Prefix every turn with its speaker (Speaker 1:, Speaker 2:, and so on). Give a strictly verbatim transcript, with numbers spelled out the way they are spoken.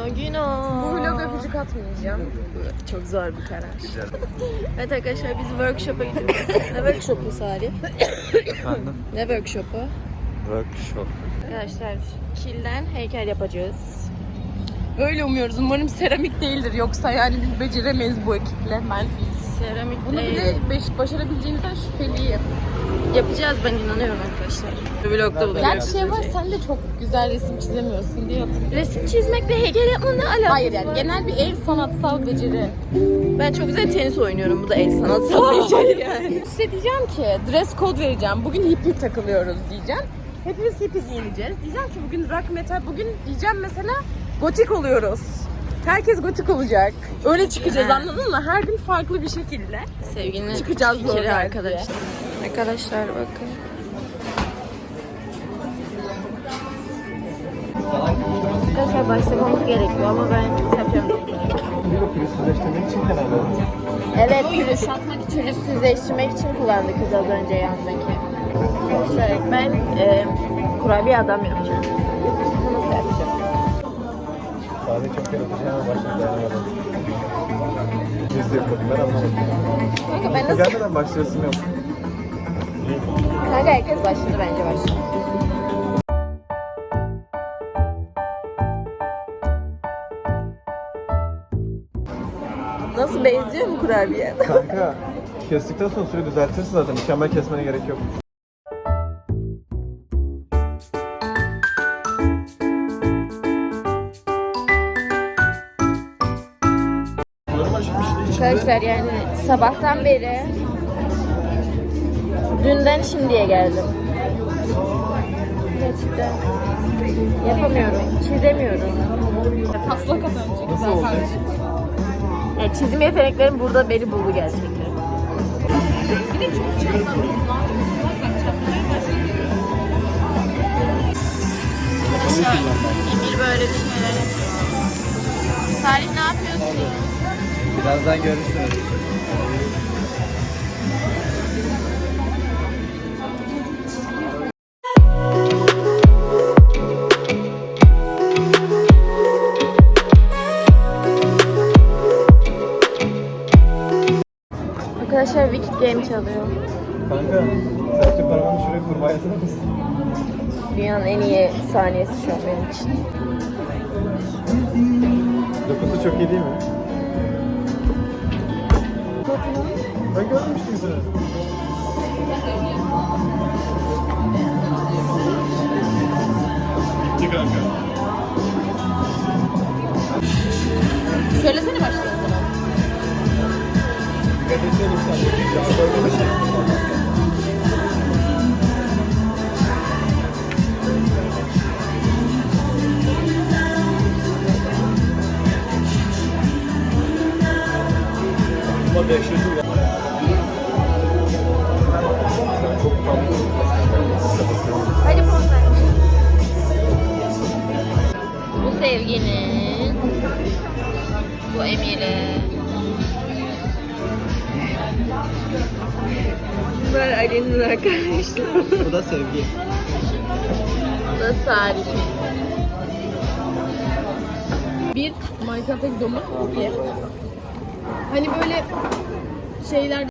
Speaker 1: Güno güno.
Speaker 2: Bu vlog öpücük atmayacağım.
Speaker 1: Çok zor bir karar. Evet arkadaşlar biz workshop'a gidiyoruz. Ne workshop'u Salih?
Speaker 3: Efendim?
Speaker 1: Ne workshop'u?
Speaker 3: Workshop.
Speaker 1: Arkadaşlar kilden heykel yapacağız.
Speaker 2: Öyle umuyoruz. Umarım seramik değildir. Yoksa yani biz beceremeyiz bu ekiple. Ben
Speaker 1: Seramik
Speaker 2: bunu
Speaker 1: değil.
Speaker 2: bile beş, başarabileceğimizden şüpheliyim.
Speaker 1: Yapacağız, ben inanıyorum arkadaşlar. Vlogda bunu
Speaker 2: Gerçi şey var, sen de çok güzel resim çizemiyorsun diye hatırlıyorum.
Speaker 1: Resim çizmekle heykel yapmanın ne alakası
Speaker 2: Hayır yani
Speaker 1: var?
Speaker 2: genel bir el sanatsal beceri.
Speaker 1: Ben çok güzel tenis oynuyorum. Bu da el sanatsal beceri yani.
Speaker 2: Size diyeceğim ki dress code vereceğim. Bugün hippie takılıyoruz diyeceğim. Hepimiz hippie giyineceğiz. Diyeceğim ki bugün rock metal, bugün diyeceğim mesela gotik oluyoruz. Herkes gotik olacak. Öyle çıkacağız,
Speaker 1: Ha.
Speaker 2: anladın mı? Her gün farklı bir şekilde.
Speaker 1: Sevginin
Speaker 2: Çıkacağız
Speaker 1: fikri
Speaker 2: zorla
Speaker 1: arkadaşlar. Arkadaşlar bakın. Arkadaşlar başlamamız gerekiyor ama ben yapacağım.
Speaker 3: Pürüzsüzleştirmek için herhalde.
Speaker 1: Evet, pürüzsüzleştirmek için, pürüzsüzleştirmek için kullandı kız az önce yandaki. Arkadaşlar ben e, kurabiye adam yapacağım. Nasıl yapacağım?
Speaker 3: Sadece çok yaratıcı ama başına dayanamadım. Biz de yapalım, ben anlamadım.
Speaker 1: Kanka ben nasıl...
Speaker 3: Gelmeden başlayasım yok.
Speaker 1: Kanka herkes başladı, bence başladı. Nasıl, benziyor mu kurabiye?
Speaker 3: Kanka, kestikten sonra süreyi düzeltirsin zaten. Mükemmel kesmene gerek yok.
Speaker 1: Arkadaşlar yani sabahtan beri dünden şimdiye geldim. Gerçekten yapamıyorum, çizemiyorum.
Speaker 2: Taslak at önce.
Speaker 3: Nasıl oldu?
Speaker 1: Yani çizim yeteneklerim burada beni buldu gerçekten. Emir böyle bir şeyler yapıyor. Salih ne yapıyorsun?
Speaker 3: Birazdan görüşürüz.
Speaker 1: Arkadaşlar Wicked Game çalıyor.
Speaker 3: Kanka, sadece parmağını şuraya kurmaya atar mısın?
Speaker 1: Dünyanın en iyi saniyesi şu an benim için.
Speaker 3: Dokusu çok iyi değil mi? Ben görmüştüm seni. Bitti kanka.
Speaker 2: Söylesene başlayalım.
Speaker 3: Dikkat etsene sen. Ya böyle bir şey. Ama dehşeti ya. Çok tatlı.
Speaker 1: Hadi poz ver. Bu Sevgi'nin, bu Emir'e. Bunlar Ali'nin arkadaşları.
Speaker 3: Bu da Sevgi.
Speaker 1: Bu da Salih.
Speaker 2: Bir Minecraft'taki domuz. Bir. Hani böyle şeyler